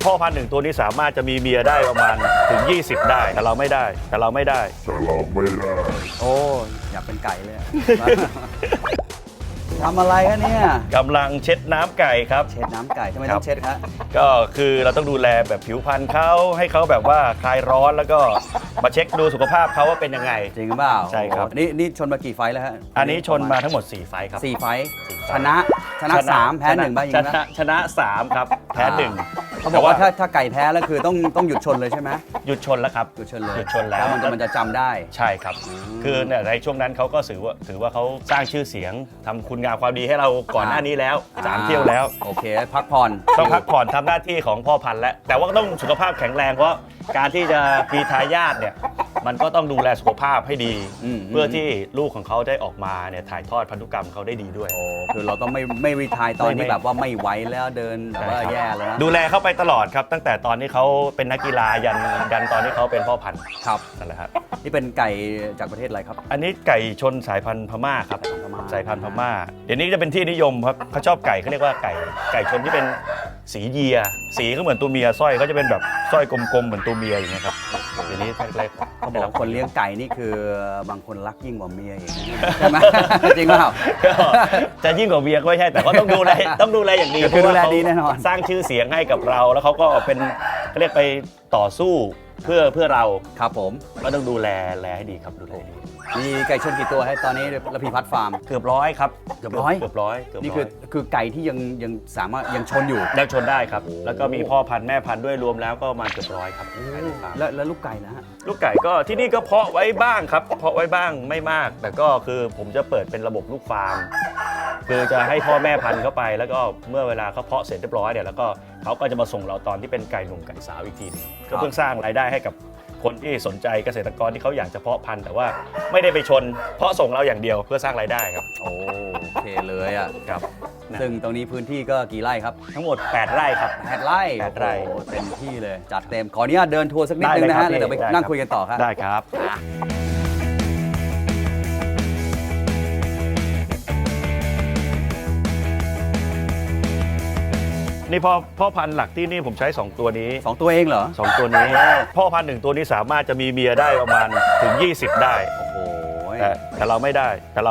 พ่อพันธุ์หนึ่งตัวนี้สามารถจะมีเมียได้ประมาณถึง20ได้แต่เราไม่ได้โอ้อยากเป็นไก่เลย ทำอะไรคะเนี่ยกำลังเช็ดน้ำไก่ครับเช็ดน้ำไก่ทำไมต้องเช็ดครับก็คือเราต้องดูแลแบบผิวพรรณเขาให้เขาแบบว่าคลายร้อนแล้วก็มาเช็คดูสุขภาพเขาว่าเป็นยังไงจริงหรือเปล่าใช่ครับนี่ชนมากี่ไฟแล้วฮะอันนี้ชนมาทั้งหมด4ไฟครับ 4ไฟชนะ3แพ้1บ้างยังไงชนะ3ครับแพ้1 เขาบอกว่าถ้าไก่แพ้แล้วคือต้องหยุดชนเลยใช่ไหมหยุดชนแล้วครับหยุดชนเลยหยุดชนแล้วมันจะจำได้ใช่ครับคือในช่วงนั้นเขาก็ถือว่าเขาสร้างชื่อเสียงทำคุณงามความดีให้เราก่อนหน้านี้แล้ว3เที่ยวแล้วโอเคพักผ่อนต้องพักผ่อนทำหน้าที่ของพ่อพันธุ์แล้วแต่ว่าต้องสุขภาพแข็งแรงเพราะการที่จะมีทายาทเนี่ยมันก็ต้องดูแลสุขภาพให้ดีเพื่อที่ลูกของเขาได้ออกมาเนี่ยถ่ายทอดพันธุกรรมเขาได้ดีด้วยคือเราต้องไม่รีไทร์ตอนที่แบบว่าไม่ไหวแล้วเดินแบบว่าแย่แล้วนะดูแลเขาไปตลอดครับตั้งแต่ตอนที่เขาเป็นนักกีฬายันตอนที่เขาเป็นพ่อพันธุ์ครับนั่นแหละครับนี่เป็นไก่จากประเทศอะไรครับอันนี้ไก่ชนสายพันธุ์พม่าครับสายพันธุ์พม่าเดี๋ยวนี้จะเป็นที่นิยมครับเขาชอบไก่เขาเรียกว่าไก่ชนที่เป็นสีเยียสีก็เหมือนตัวเมียสร้อยเขาจะเป็นแบบสร้อยกลมๆเหมือนตัวเมียอย่างเงี้ยครับเดี๋ยวนี้เขาบอกคนเลี้ยงไก่นี่คือบางคนรักยิ่งกว่าเมียอีกใช่ไหมจริงเปล่าจะยิ่งกว่าเมียก็ไม่ใช่แต่ก็ต้องดูแลอย่างดีคือดูแลดีแน่นอนสร้างชื่อเสียงให้กับเราแล้วเขาก็เป็นเขาเรียกไปต่อสู้เพื่อเราครับผมก็ต้องดูแลให้ดีครับดูแลดีมีไก่ชนกี่ตัวให้ตอนนี้ระพีพัฒน์ฟาร์มเกือบร้อยครับเกือบร้อยนี่คือไก่ที่ยังสามารถยังชนอยู่ยังชนได้ครับแล้วก็มีพ่อพันธุ์แม่พันธุ์ด้วยรวมแล้วก็ประมาณเกือบร้อยครับแล้วลูกไก่นะฮะลูกไก่ก็ที่นี่ก็เพาะไว้บ้างครับเพาะไว้บ้างไม่มากแต่ก็คือผมจะเปิดเป็นระบบลูกฟาร์มคือจะให้พ่อแม่พันธุ์เข้าไปแล้วก็เมื่อเวลาเขาเพาะเสร็จเรียบร้อยเนี่ยแล้วก็เขาก็จะมาส่งเราตอนที่เป็นไก่หนุ่มไก่สาวอีกทีนึงก็เพิ่งสร้างรายได้ให้กับคนที่สนใจเกษตรกรที่เขาอยากจะเพาะพันธุ์แต่ว่าไม่ได้ไปชนเพาะส่งเราอย่างเดียวเพื่อสร้างรายได้ครับโอเคเลยอ่ะครับซึ่งตรงนี้พื้นที่ก็กี่ไร่ครับทั้งหมด8ไร่ครับ 8ไร่เต็มที่เลยจัดเต็มขออนุญาตเดินทัวร์สักนิดนึงนะฮะแล้วเดี๋ยวไปนั่งคุยกันต่อครับได้ครับนี่พ่อพันธุ์หลักที่นี่ผมใช้2ตัวนี้ 2ตัวเองเหรอ 2ตัวนี้พ่อพันธุ์1ตัวนี้สามารถจะมีเมียได้ประมาณถึง20ได้โอ้โหแต่เราไม่ได้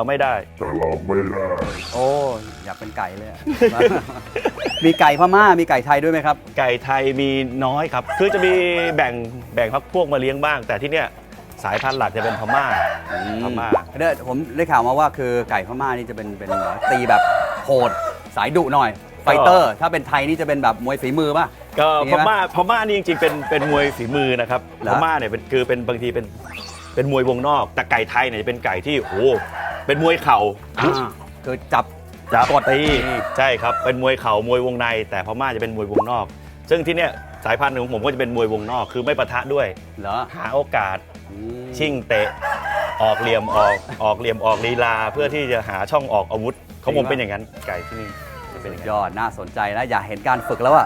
โอ้อยากเป็นไก่เลยมีไก่พม่ามีไก่ไทยด้วยไหมครับไก่ไทยมีน้อยครับคือจะมีแบ่งพักพวกมาเลี้ยงบ้างแต่ที่เนี้ยสายพันธุ์หลักจะเป็นพม่าผมได้ข่าวมาว่าคือไก่พม่านี่จะเป็นตีแบบโหดสายดุหน่อยไฟเตอร์ถ้าเป็นไทยนี่จะเป็นแบบมวยฝีมือป่ะก็พม่านี่จริงๆเป็นมวยฝีมือนะครับพม่าเนี่ยเป็นบางทีเป็นมวยวงนอกแต่ไก่ไทยเนี่ยจะเป็นไก่ที่โอ้เป็นมวยเข่าคือจับกดตีใช่ครับเป็นมวยเข่ามวยวงในแต่พม่าจะเป็นมวยวงนอกซึ่งที่เนี้ยสายพันธุ์ของผมก็จะเป็นมวยวงนอกคือไม่ปะทะด้วยหาโอกาสชิ่งเตะออกเหลี่ยมออกลีลาเพื่อที่จะหาช่องออกอาวุธของผมเป็นอย่างนั้นไก่ที่นี่ยอดน่าสนใจนะอยากเห็นการฝึกแล้วอ่ะ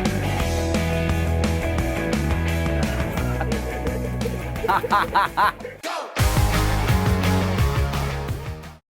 ครับ